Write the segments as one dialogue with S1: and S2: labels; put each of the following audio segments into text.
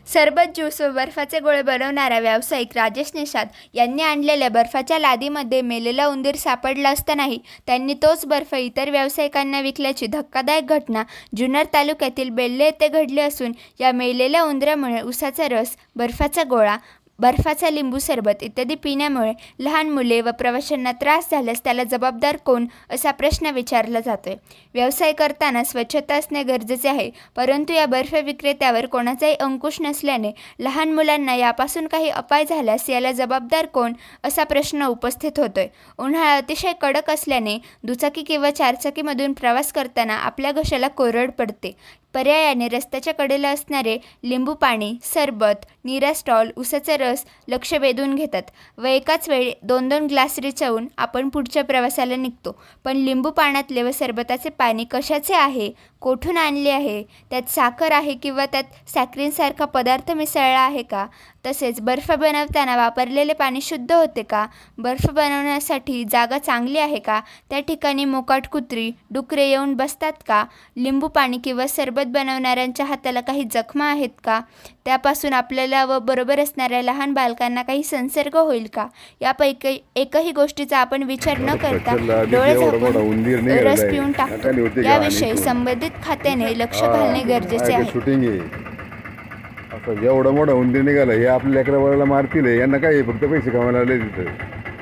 S1: सरबत ज्यूस व बर्फाचे गोळे बनवणारा व्यावसायिक राजेश निषाद यांनी आणलेल्या बर्फाच्या लादीमध्ये मेलेला उंदीर सापडला असतानाही त्यांनी तोच बर्फ इतर व्यावसायिकांना विकल्याची धक्कादायक घटना जुन्नर तालुक्यातील बेल्ले येथे घडली असून या मेलेल्या उंदरामुळे उसाचा रस, बर्फाचा गोळा, बर्फाचा लिंबू सरबत इत्यादी पिण्यामुळे लहान मुले व प्रवाशांना त्रास झाल्यास त्याला जबाबदार कोण असा प्रश्न विचारला जातोय। व्यवसाय करताना स्वच्छता असणे गरजेचे आहे, परंतु या बर्फ विक्रेत्यावर कोणाचाही अंकुश नसल्याने लहान मुलांना यापासून काही अपाय झाल्यास याला जबाबदार कोण असा प्रश्न उपस्थित होतोय। उन्हाळा अतिशय कडक असल्याने दुचाकी किंवा चारचाकीमधून प्रवास करताना आपल्या घशाला कोरड पडते। पर्यायाने रस्त्याच्या कडेला असणारे लिंबू पाणी, सरबत, नीरा स्टॉल, उसाचा रस लक्ष वेधून घेतात व एकाच वेळी 2-2 ग्लास रिचवून आपण पुढच्या प्रवासाला निघतो। पण लिंबू पाण्यातले व सरबताचे पाणी कशाचे आहे, कोठून आणले आहे, त्यात साखर आहे किंवा त्यात सॅक्रिनसारखा पदार्थ मिसळला आहे का, तसेच बर्फ बनवताना वापरलेले पाणी शुद्ध होते का, बर्फ बनवण्यासाठी जागा चांगली आहे का, त्या ठिकाणी मोकाट कुत्री, डुकरे येऊन बसतात का, लिंबू पाणी किंवा सरबत बनवणाऱ्यांच्या हाताला काही जखमा आहेत का, त्यापासून आपल्याला व बरोबर असणाऱ्या लहान बालकांना काही संसर्ग होईल का, यापैकी एकही गोष्टीचा आपण विचार न करता डोळे झाकून रस पिऊन टाकतो। याविषयी संबंधित खात्याने लक्ष घालणे गरजेचे आहे।
S2: असं एवढं मोठं उंदीर निघालं, हे आपल्या लेकराला मारतील, यांना काय फक्त पैसे कमायला आले तिथं।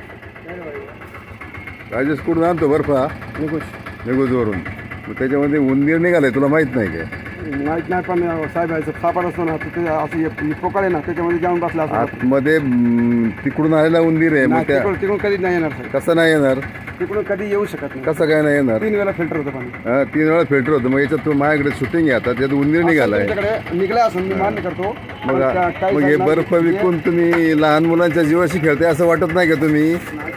S2: राजेश कुठून आणतो बर्फा? निगुजवरून। मग त्याच्यामध्ये उंदीर निघालाय, तुला माहित नाही काय?
S3: माहित नाही, पण साहेब सापड असतो ना, तिथे असं पोकळ आहे ना, त्याच्यामध्ये जाऊन बसला
S2: आतमध्ये तिकडून आलेला उंदीर आहे। मग त्या
S3: तिकडून कधी नाही येणार साहेब।
S2: कसं नाही येणार?
S3: तिकडून कधी येऊ शकत नाही।
S2: कसं काय नाही येणार?
S3: 3 वेळा फिल्टर होतं पाणी।
S2: 3 वेळा फिल्टर होतं। मग याच्यात माझ्याकडे शूटिंग आहे आता, त्यात उंदीर निघालाय।
S3: निघला असं मी मान्य करतो।
S2: मग हे बर्फ विकून तुम्ही लहान मुलांच्या जीवाशी खेळताय असं वाटत नाही का तुम्ही?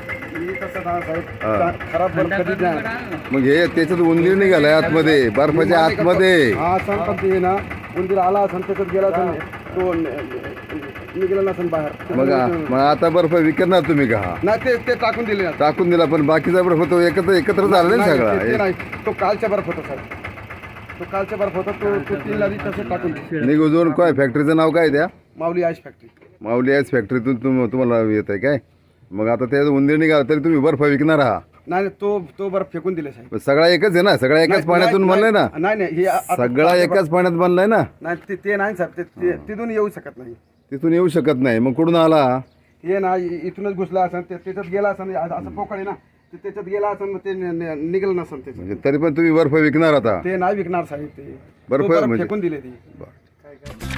S3: खराब बर्फ कधी नाही।
S2: मग हे त्याच्यात उंदीर निघालाय आतमध्ये, बर्फाच्या आतमध्ये।
S3: हा सण पण ते ना, उंदीर आला असं त्याच्यात गेला असं तो निघाला नसेल बाहेर।
S2: मग आता बर्फ विकणार तुम्ही का?
S3: नाही, ते टाकून दिले,
S2: टाकून दिला, पण बाकीचा बर्फ तो एकत्र झाला ना सगळा?
S3: नाही, तो कालचा बर्फ होता साहेब। तो कालचा बर्फ होता, तो 3 लादी तसं टाकून दिले।
S2: निगुजवरून काय फॅक्टरीचं नाव काय त्या?
S3: Mauli ice factory.
S2: Mauli ice फॅक्टरीतून तुम्हाला येत आहे काय? मग आता त्यात उंदीर निघाला तरी तुम्ही बर्फ विकणार आहात?
S3: नाही, तो बर्फ फेकून दिले साहेब।
S2: सगळा एकच आहे ना, सगळा एकाच पाण्यातून बनलाय ना?
S3: नाही,
S2: सगळा एकाच पाण्यात बनलाय ना?
S3: नाही, ते नाही साहेब, तिथून येऊ शकत नाही।
S2: तिथून येऊ शकत नाही, मग कुठून आला?
S3: हे ना इथूनच घुसला असं, त्याच्यात गेला असं, असं पोकळ ना, त्याच्यात गेला असं, ते निघलं नसेल त्याच्यात।
S2: म्हणजे तरी पण तुम्ही बर्फ विकणार आता?
S3: ते नाही विकणार साहेब, ते
S2: बर्फ
S3: फेकून दिले ती।